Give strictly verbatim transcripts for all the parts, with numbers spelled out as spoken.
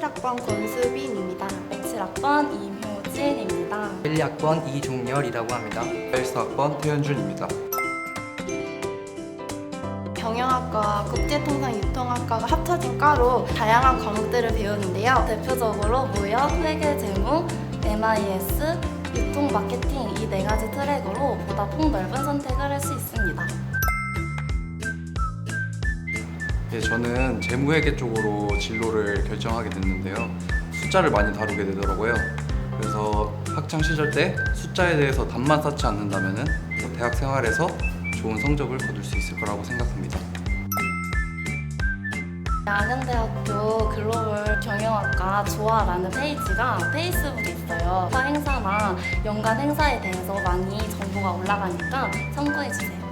십칠 학번 권수빈입니다. 백칠 학번 임효진입니다. 일 학번 이종열이라고 합니다. 일 학번 태현준입니다. 경영학과와 국제통상유통학과가 합쳐진 과로 다양한 과목들을 배우는데요. 대표적으로 무역, 회계, 재무, 엠아이에스, 유통, 마케팅 이 네 가지 트랙으로 보다 폭넓은 선택을 할 수 있습니다. 예, 저는 재무회계 쪽으로 진로를 결정하게 됐는데요. 숫자를 많이 다루게 되더라고요. 그래서 학창 시절 때 숫자에 대해서 답만 쌓지 않는다면은 대학 생활에서 좋은 성적을 거둘 수 있을 거라고 생각합니다. 안양대학교 글로벌 경영학과 조화라는 페이지가 페이스북에 있어요. 과 행사나 연간 행사에 대해서 많이 정보가 올라가니까 참고해주세요.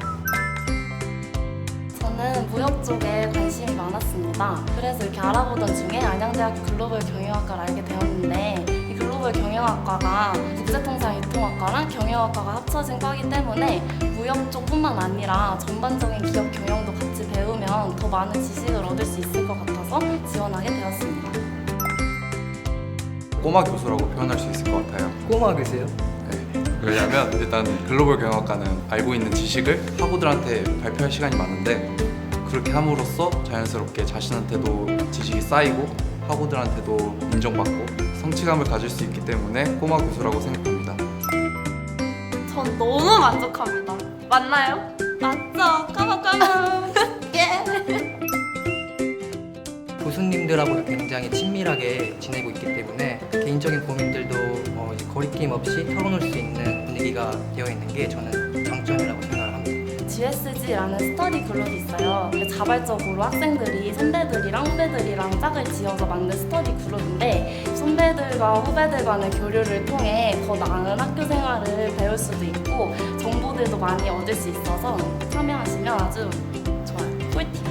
저는 무역 쪽에 관심이 많았습니다. 그래서 이렇게 알아보던 중에 안양대학교 글로벌 경영학과를 알게 되었는데 이 글로벌 경영학과가 국제통상유통학과랑 경영학과가 합쳐진 과이기 때문에 무역 쪽뿐만 아니라 전반적인 기업 경영도 같이 배우면 더 많은 지식을 얻을 수 있을 것 같아서 지원하게 되었습니다. 꼬마 교수라고 표현할 수 있을 것 같아요. 꼬마 교수요? 네. 왜냐하면 일단 글로벌 경영학과는 알고 있는 지식을 학우들한테 발표할 시간이 많은데 그렇게 함으로써 자연스럽게 자신한테도 지식이 쌓이고 학우들한테도 인정받고 성취감을 가질 수 있기 때문에 꼬마 교수라고 생각합니다. 전 너무 만족합니다. 맞나요? 맞죠? 까먹까먹! 예! 교수님들하고 굉장히 친밀하게 지내고 있기 때문에 개인적인 고민들도 어, 이제 거리낌 없이 털어놓을 수 있는 분위기가 되어 있는 게 저는 장점이라고 생각을 합니다. 지에스지라는 스터디 그룹이 있어요. 자발적으로 학생들이 선배들이랑 후배들이랑 짝을 지어서 만든 스터디 그룹인데 선배들과 후배들 간의 교류를 통해 더 나은 학교 생활을 배울 수도 있고 정보들도 많이 얻을 수 있어서 참여하시면 아주 좋아요. 꿀팁!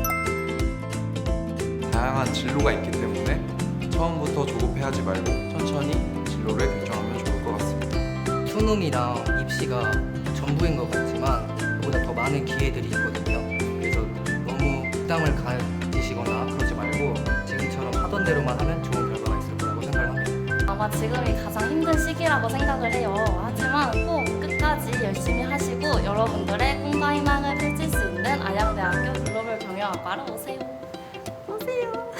다양한 진로가 있기 때문에 처음부터 조급해하지 말고 천천히 진로를 결정하면 좋을 것 같습니다. 수능이랑 입시가 전부인 것 같지만 그보다 더 많은 기회들이 있거든요. 그래서 너무 부담을 가지시거나 그러지 말고 지금처럼 하던 대로만 하면 좋은 결과가 있을 거라고 생각을 합니다. 아마 지금이 가장 힘든 시기라고 생각을 해요. 하지만 꼭 끝까지 열심히 하시고 여러분들의 꿈과 희망을 펼칠 수 있는 안양대학교 글로벌 경영학과로 오세요. 오세요.